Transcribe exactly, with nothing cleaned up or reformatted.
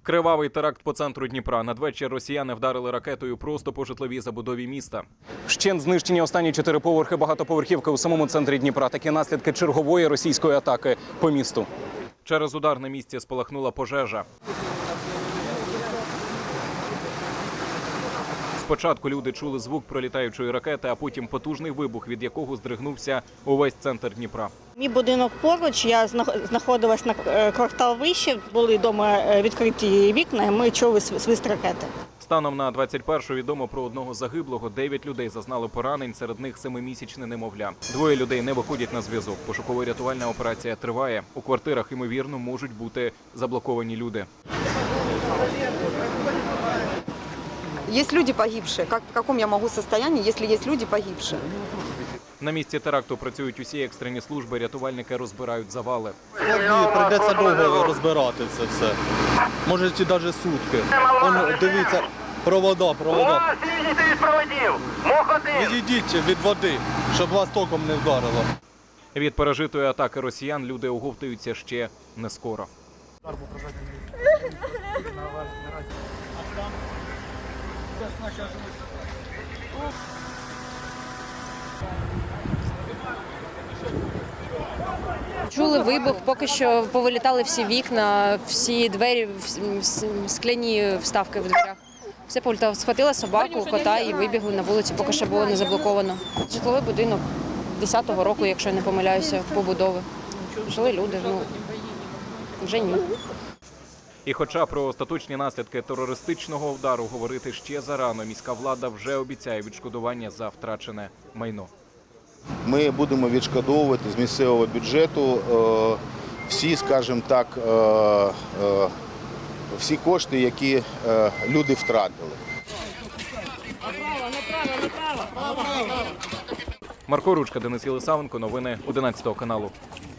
Кривавий теракт по центру Дніпра. Надвечір росіяни вдарили ракетою просто по житловій забудові міста. Вщент знищені останні чотири поверхи багатоповерхівки у самому центрі Дніпра. Такі наслідки чергової російської атаки по місту. Через удар на місці спалахнула пожежа. Спочатку люди чули звук пролітаючої ракети, а потім потужний вибух, від якого здригнувся увесь центр Дніпра. Мій будинок поруч, я знаходилась на квартал вище, були вдома відкриті вікна, і ми чули свист ракети. Станом на двадцять першу відомо про одного загиблого, дев'ять людей зазнали поранень, серед них семимісячне немовля. Двоє людей не виходять на зв'язок. Пошуково-рятувальна операція триває. У квартирах, ймовірно, можуть бути заблоковані люди. Есть люди погибшие. Как, в каком я могу состоянии, если есть люди погибшие? На місці теракту працюють усі екстрені служби, рятувальники розбирають завали. Сьогодні прийдеться довго розбирати це все. Може, і навіть сутки. Он, дивіться, провода, провода. Відійдіть від проводів! Мох один! Відійдіть від води, щоб вас током не вдарило. Від пережитої атаки росіян люди оговтуються ще не скоро. Чули вибух, поки що повилітали всі вікна, всі двері, скляні вставки в дверях. Все повилітало. Схватила собаку, кота і вибігли на вулицю, поки що було не заблоковано. Житловий будинок десятого року, якщо я не помиляюся, побудови. Жили люди, ну, вже ні. І хоча про остаточні наслідки терористичного удару говорити ще зарано, міська влада вже обіцяє відшкодування за втрачене майно. Ми будемо відшкодовувати з місцевого бюджету всі, скажімо так, всі кошти, які люди втратили. Марко Ручка, Денис Єлисавенко, новини одинадцятого каналу.